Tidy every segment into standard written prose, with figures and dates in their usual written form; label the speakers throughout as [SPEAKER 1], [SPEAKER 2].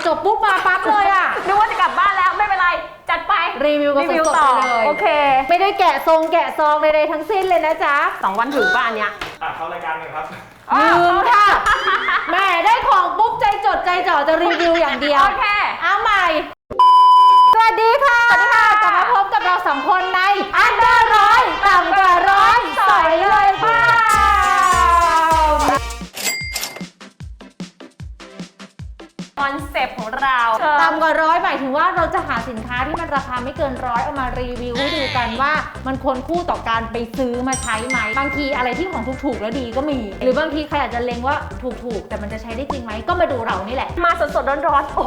[SPEAKER 1] จบปุ๊บมาปั๊บเลยอ่ะ
[SPEAKER 2] นึกว่าจะกลับบ้านแล้วไม่เป็นไรจัดไป
[SPEAKER 1] รีวิวกันสดๆไปเลย
[SPEAKER 2] โอเค
[SPEAKER 1] ไม่ได้แกะซองใดๆทั้งสิ้นเลยนะจ๊ะ
[SPEAKER 2] 2 วันถึงบ้านเนี้ย
[SPEAKER 3] เข้ารายการกันครับ
[SPEAKER 1] ลืมค่ะแม่ได้ของปุ๊บใจจดใจจ่อจะรีวิวอย่างเดียว
[SPEAKER 2] โอเค
[SPEAKER 1] เอาใหม่ สวัสดีค่ะกลับมาพบกับเราสองคนในอันเดอร์ร้อยต่ำกว่าร้อยสอยเลยค่ะ
[SPEAKER 2] คอนเซปต์ของเรา
[SPEAKER 1] ต่ำกว่าร้อยหมายถึงว่าเราจะหาสินค้าที่มันราคาไม่เกินร้อยเอามารีวิวให้ดูกันว่ามันควรคู่ต่อการไปซื้อมาใช้ไหมบางทีอะไรที่ของถูกๆแล้วดีก็มี หรือบางทีใครอาจจะเล็งว่าถูกๆแต่มันจะใช้ได้จริงไหมก็มาดูเรานี่แหละ
[SPEAKER 2] มาสดๆร้อนๆโอ้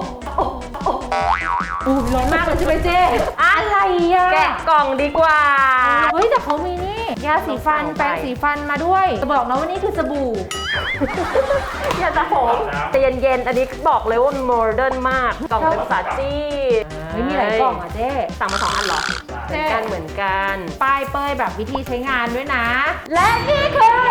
[SPEAKER 1] ร้อนมากเลยใช่ไหมเจ๊อะไรอ่ะ
[SPEAKER 2] แกะกล่องดีกว่า
[SPEAKER 1] เฮ้ยแต่เขามีนี่ยาสีฟันแปรงสีฟันมาด้วยจะบอกนะว่านี่คือสบู่
[SPEAKER 2] อย่าตะโหงแต่เย็นๆอันนี้บอกเลยว่ามันโมเดิร์นมากกล่องเป็นภาษาจีน
[SPEAKER 1] เฮ้ยมีหลายกล่องอ่ะเจ๊
[SPEAKER 2] สั่งมา2 อันเหรอเหมือนกัน
[SPEAKER 1] ป้ายเป้ยแบบวิธีใช้งานด้วยนะ และนี่คือ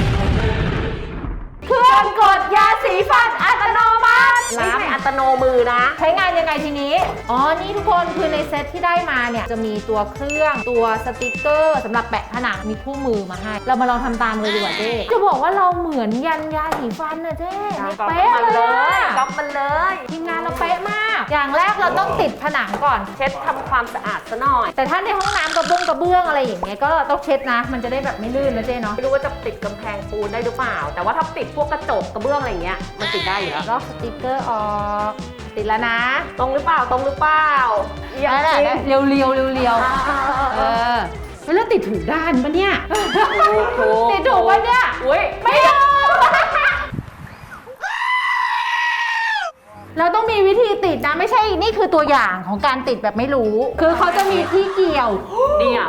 [SPEAKER 1] เครื่องกดยาสีฟันอัตโนมัติ
[SPEAKER 2] ไม่ใช่อัตโนมือนะ
[SPEAKER 1] ใช้งานยังไงทีนี้อ๋อนี่ทุกคนคือในเซ็ตที่ได้มาเนี่ยจะมีตัวเครื่องตัวสติกเกอร์สำหรับแปะผนังมีคู่มือมาให้เรามาลองทำตามเลยดีกว่าเจ๊จะบอกว่าเราเหมือนยันยาสีฟันนะเจ๊เป๊ะเลยอะ
[SPEAKER 2] ก๊อปมันเลย
[SPEAKER 1] ทีมงานเราเป๊ะมาก อย่างแรกเราต้องติดผนังก่อน
[SPEAKER 2] เช็ดทำความสะอาดซะหน่อย
[SPEAKER 1] แต่ถ้าในห้องน้ำกระเบื้องอะไรอย่างเงี้ยก็ต้องเช็ดนะ มันจะได้แบบไม่ลื่นนะเจ๊เนาะ
[SPEAKER 2] ไม่รู้ว่าจะติดกำแพงปูนได้หรือเปล่า แต่ว่าถ้าติดพวกกระจกกระเบื้องอะไรเงี้ยมันติดได้อยู่แล้ว
[SPEAKER 1] ลอกสติกเกอร์ออกติดแล้วนะ
[SPEAKER 2] ตรงหรือเปล่ายัง
[SPEAKER 1] นั่นแหละ
[SPEAKER 2] จริง
[SPEAKER 1] เรียวแล้วติดถูกด้านปะเนี่ยติดถูกปะเนี่ย
[SPEAKER 2] อุ้ย
[SPEAKER 1] ไม่ถูกเราต้องมีวิธีติดนะไม่ใช่นี่คือตัวอย่างของการติดแบบไม่รู้ คือเขาจะมีที่เกี่ยว
[SPEAKER 2] เนี่ย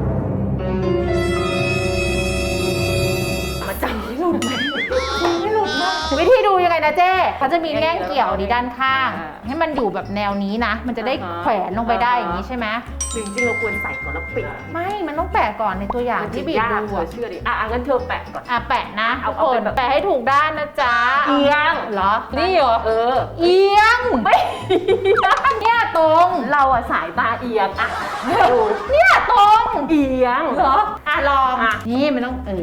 [SPEAKER 2] มาจับไม่หลุดไหม
[SPEAKER 1] ไม่หลุดมากวิธีดูยังไงนะเจ๊เขาจะมีแง่งเกี่ยวดีด้านข้าง ให้มันอยู่แบบแนวนี้นะ มันจะได้แขวนลงไปได้อย่างนี้ใช่ไหม
[SPEAKER 2] จริงๆเราควรใส่ก่อนแล้วปิด
[SPEAKER 1] ไม่มันต้องแปะก่อนในตัวอย่างที่บีบดู
[SPEAKER 2] เชื่อดิงั้นเธอแปะก่อน
[SPEAKER 1] แปะนะ
[SPEAKER 2] เอา
[SPEAKER 1] ทุกคน
[SPEAKER 2] เป็นแบบ
[SPEAKER 1] แปะให้ถูกด้านนะจ๊ะ
[SPEAKER 2] เอียง
[SPEAKER 1] เหรอนี่เหรอ เอียง
[SPEAKER 2] ไม่
[SPEAKER 1] เนี่ยตรง
[SPEAKER 2] เราอะสายตาเอียงดู
[SPEAKER 1] เนี่ยตรง
[SPEAKER 2] เอียง
[SPEAKER 1] เหรอลอง
[SPEAKER 2] อ่ะ
[SPEAKER 1] นี่มันต้องโอ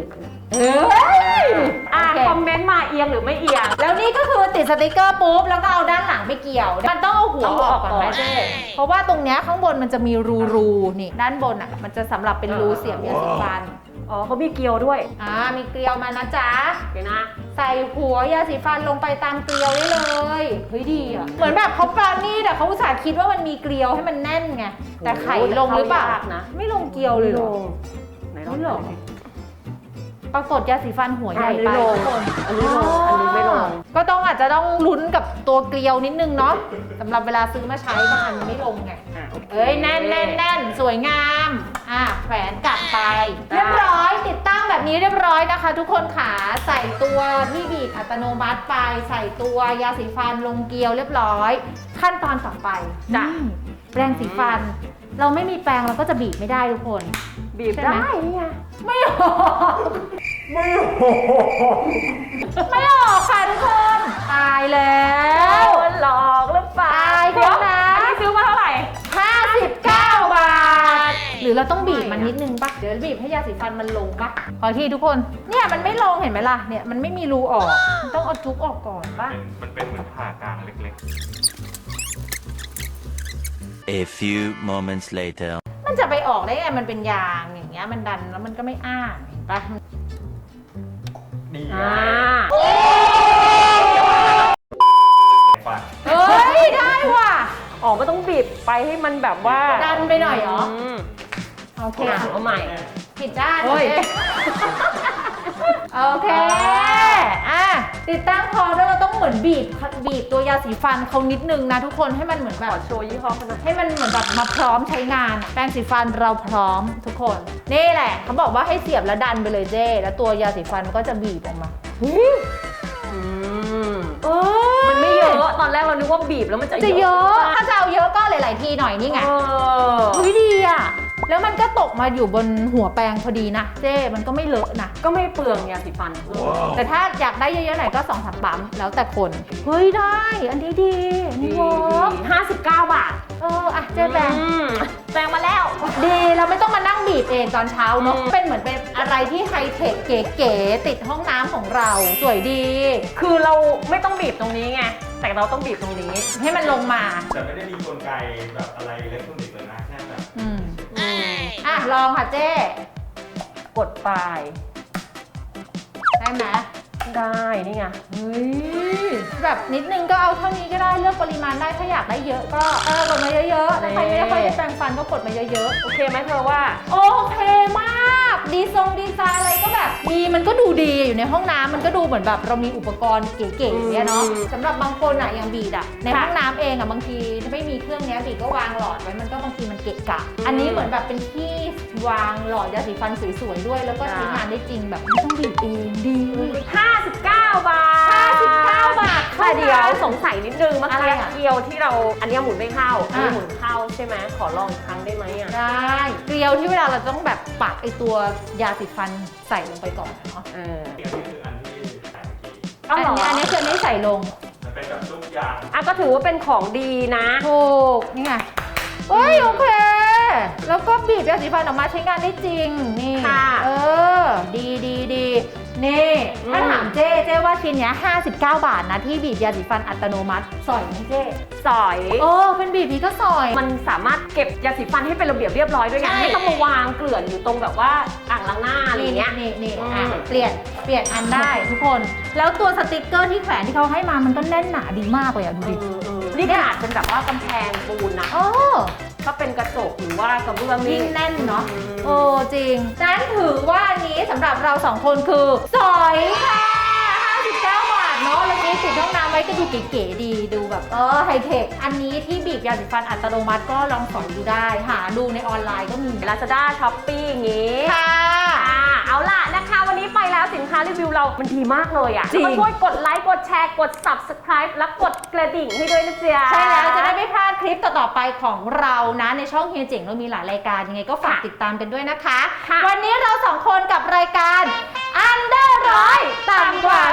[SPEAKER 1] เค
[SPEAKER 2] คอมเมนต์มาเอียงหรือไม่เอียง
[SPEAKER 1] แล้วนี่ก็คือติดสติกเกอร์ปุ๊บแล้วก็เอาด้านหลังไปเกี่ยวมันต้องเอาหัวออกก่อนไหมเจ๊เพราะว่าตรงเนี้ยข้างบนมันจะมีรูนี่ด้านบนอ่ะมันจะสำหรับเป็นรูเสียบยาสีฟัน
[SPEAKER 2] เขามีเกลียวด้วย
[SPEAKER 1] มีเกลียวมานะจ๊ะ
[SPEAKER 2] เดี๋ยวนะ
[SPEAKER 1] ใส่หัวยาสีฟันลงไปตามเกลียวได้เลยเฮ้ยดีอ่ะเหมือนแบบเขาปราณีตแต่เขาอุตส่าห์คิดว่ามันมีเกลียวให้มันแน่นไงแต่ไข่ลงหรือเปล่า
[SPEAKER 2] โอ้โหแต่เข้ายากนะ
[SPEAKER 1] ไม่ลงเกลียวเลยเหรอ
[SPEAKER 2] ไหน
[SPEAKER 1] ไม่หรอปรากฏยาสีฟันหัวใหญ่ไป
[SPEAKER 2] อันนี้ลงอันนี้ไม่ลง
[SPEAKER 1] ก็ต้องอาจจะต้องลุ้นกับตัวเกลียวนิดนึงเนาะสำหรับเวลาซื้อมาใช้บางอันมันไม่ลงไง เอ้ยแน่นสวยงามแขวนกลับไปเรียบร้อยติดตั้งแบบนี้เรียบร้อยนะคะ ทุกคนขาใส่ตัวที่บีบอัตโนมัติไปใส่ตัวยาสีฟันลงเกลียวเรียบร้อย ขั้นตอนต่อไปแปรงสีฟัน เราไม่มีแปรงเราก็จะบีบไม่ได้ทุกคน
[SPEAKER 2] บีบได้เนี่ย
[SPEAKER 1] ไม่ออกไม่ออกค่ะทุกคนตายแล้ว
[SPEAKER 2] หลอกหรือเปล่า
[SPEAKER 1] ตายแล้วนะ
[SPEAKER 2] อันนี้ซื้อมาเท่าไหร่
[SPEAKER 1] 59 บาท หรือเราต้องบีบมันนิดนึงปะเดี๋ยวบีบให้ยาสีฟันมันลงปะขอทีทุกคน เนี่ยมันไม่ลงเห็นไหมล่ะ เนี่ยมันไม่มีรูออกมันต้องเอาจุกออกก่อนปะ
[SPEAKER 3] มันเป็นเหมือนผ่ากลางเล็ก
[SPEAKER 4] A few moments later.
[SPEAKER 1] มันจะไปออกได้ไงมันเป็นยางอย่างเงี้ยมันดันแล้วมันก็ไม่อ้าเห็นปะ
[SPEAKER 3] ๆดี ฟัน
[SPEAKER 1] เฮ้ยได้ว่ะ
[SPEAKER 2] ไม่ต้องบีบไปให้มันแบบว่า
[SPEAKER 1] ดันไปหน่อยเหรอ โอเค
[SPEAKER 2] เอาใหม่
[SPEAKER 1] ผิดด้าน
[SPEAKER 2] เฮ้ย
[SPEAKER 1] โอเคติดตั้งพอแล้วเราต้องเหมือนบีบตัวยาสีฟันเขานิดนึงนะทุกคนให้มันเหมือนแบ
[SPEAKER 2] ข
[SPEAKER 1] บ
[SPEAKER 2] อโชว์ยี่ห้อเขาหน่อย
[SPEAKER 1] ให้มันเหมือนแบบมาพร้อมใช้งานแปรงสีฟันเราพร้อมทุกคนนี่แหละเขาบอกว่าให้เสียบแล้วดันไปเลยเจ้แล้วตัวยาสีฟันก็จะบีบออกมา
[SPEAKER 2] มันไม่เยอะ ตอนแรกเรานึกว่าบีบแล้วมันจะ
[SPEAKER 1] เยอะถ้าจะเอาเยอะก็หลายๆทีหน่อยนี่ไงเฮ้ยดีอ่ะแล้วมันก็ตกมาอยู่บนหัวแปรงพอดีนะเจ้มันก็ไม่เลอะนะ
[SPEAKER 2] ก็ไม่เปลืองยาสีฟัน
[SPEAKER 1] แต่ถ้าอยากได้เยอะๆหน่อยก็2-3ปั๊มแล้วแต่คนเฮ้ยได้อันนี้ดีอันนี้เวิร์ก
[SPEAKER 2] 59 บาท
[SPEAKER 1] อ่ะเจ๊แปรง
[SPEAKER 2] แปรงมาแล้ว
[SPEAKER 1] ดีเราไม่ต้องมานั่งบีบเองตอนเช้าเนอะเป็นเหมือนเป็นอะไรที่ไฮเทคเก๋ๆติดห้องน้ำของเราสวยดี
[SPEAKER 2] คือเราไม่ต้องบีบตรงนี้ไง แต่เราต้องบีบตรงนี้
[SPEAKER 1] ให้มันลงมา
[SPEAKER 3] แต่ไม่ได้มีกลไกแบบอะไรอิเล็กทรอนิกส์เลยนะแค่แบบ
[SPEAKER 1] อ่ะลองค่ะเจ๊
[SPEAKER 2] กดปลาย
[SPEAKER 1] ได้ไหม
[SPEAKER 2] ได้นี่ไง
[SPEAKER 1] เฮ้ยแบบนิดนึงก็เอาเท่านี้ก็ได้เลือกปริมาณได้ถ้าอยากได้เยอะก็กดมาเยอะๆถ้าใครไม่ได้ค่อยได้แปรงฟันก็กดมาเยอะๆ
[SPEAKER 2] โอเคไหมเธอว่า
[SPEAKER 1] โอเคมากดีไซน์อะไรก็แบบดีมันก็ดูดีอยู่ในห้องน้ำมันก็ดูเหมือนแบบเรามีอุปกรณ์เก๋ๆเนี่ยเนาะสำหรับบางคนอ่ะอย่างบีดอ่ะในห้องน้ำเองอ่ะบางทีถ้าไม่มีเครื่องเนี้ยบีดก็วางหลอดไว้มันก็บางทีมันเกะกะ อันนี้เหมือนแบบเป็นที่วางหลอดยาสีฟันสวยๆด้วยแล้วก็ใช้งานได้จริงแบบไม่ต้องบีบเองดี
[SPEAKER 2] 59 บาท
[SPEAKER 1] 59 บาท
[SPEAKER 2] แต่เดี๋ยวสงสัยนิดนึงเมื่อ
[SPEAKER 1] อะไร
[SPEAKER 2] กี้
[SPEAKER 1] อ่ะ
[SPEAKER 2] เกลียวที่เราอันนี้หมุนไม่เข้าอันนี้
[SPEAKER 1] อ่ะ
[SPEAKER 2] หมุนเข้าใช่ไหมขอลองอีกครั้งได้ไหมอ่ะ
[SPEAKER 1] ได้เกลียวที่เวลาเราต้องแบบปักไอตัวยาสีฟันใส่ลงไปก่อนเนาะ
[SPEAKER 2] เออ
[SPEAKER 3] อันนี้คืออันที่ใส่เมื่อกี้
[SPEAKER 2] เอาเหรอ
[SPEAKER 1] อันนี้คืออันนี้ใส่ลง
[SPEAKER 3] มันเป็นแบบลูกยาง
[SPEAKER 2] อ่ะก็ถือว่าเป็นของดีนะ
[SPEAKER 1] ถูกนี่ไงเอ้ยโอเค แล้วก็บีบยาสีฟันออกมาใช้งานได้จริงนี่
[SPEAKER 2] ค่ะ
[SPEAKER 1] ดีนี่ถ้าถามเจ๊ว่าชิ้นเนี้ย59 บาทนะที่บีบยาสีฟันอัตโนมัติสอยไหมเจ๊
[SPEAKER 2] สอย
[SPEAKER 1] เป็นบีบนี้ก็สอย
[SPEAKER 2] มันสามารถเก็บยาสีฟันให้เป็นระเบียบเรียบร้อยด้วยไง
[SPEAKER 1] ใช่
[SPEAKER 2] ไม่ต้องมาวางเกลื่อนอยู่ตรงแบบว่าอ่างล้างหน้าอะไรอย่างเงี้ย
[SPEAKER 1] นี่
[SPEAKER 2] อืม
[SPEAKER 1] อ่ะเปลี่ยนอันได้ทุกคน แล้วตัวสติกเกอร์ที่แขวนที่เขาให้มามันก็แน่นหนาดีมากเลยอ่ะดูดิ
[SPEAKER 2] นี่ขนาดเป็นแบบว่ากำแพงปูนนะ
[SPEAKER 1] โอ้
[SPEAKER 2] ถ้าเป็นกระจกหรือว่ากระเบื้อง
[SPEAKER 1] ยิ่
[SPEAKER 2] นี่
[SPEAKER 1] งแน่นเนาะจริงนั้นถือว่าอันนี้สำหรับเรา2คนคือสอยค่ะ59 บาทเนาะแล้วนี้ติดห้องน้ำไว้ก็ดูเก๋ๆดีดูแบบไฮเทคอันนี้ที่บีบยาสีฟันอัตโนมัติก็ลองสอยดูได้หาดูในออนไลน์ก็มี
[SPEAKER 2] Lazada Shopee อย่างงี้
[SPEAKER 1] ค่ะ
[SPEAKER 2] เอาล่ะนะคะวันนี้ไปแล้วสินค้ารีวิวเรา มันดีมากเลยอ่ะ
[SPEAKER 1] จริง
[SPEAKER 2] ก็ช่วยกดไลค์ กดแชร์ กด Subscribe และกดกระดิ่งให้ด้วยนะจ๊ะ
[SPEAKER 1] ใช่แล้วจะได้ไม่พลาดคลิปต่อๆไปของเรานะในช่องเฮียเจ๋งเรามีหลายรายการยังไงก็ฝากติดตามกันด้วยนะคะ
[SPEAKER 2] ค่ะ
[SPEAKER 1] วันนี้เรา2คนกับรายการอันเดอร์ร้อยต่ำกว่า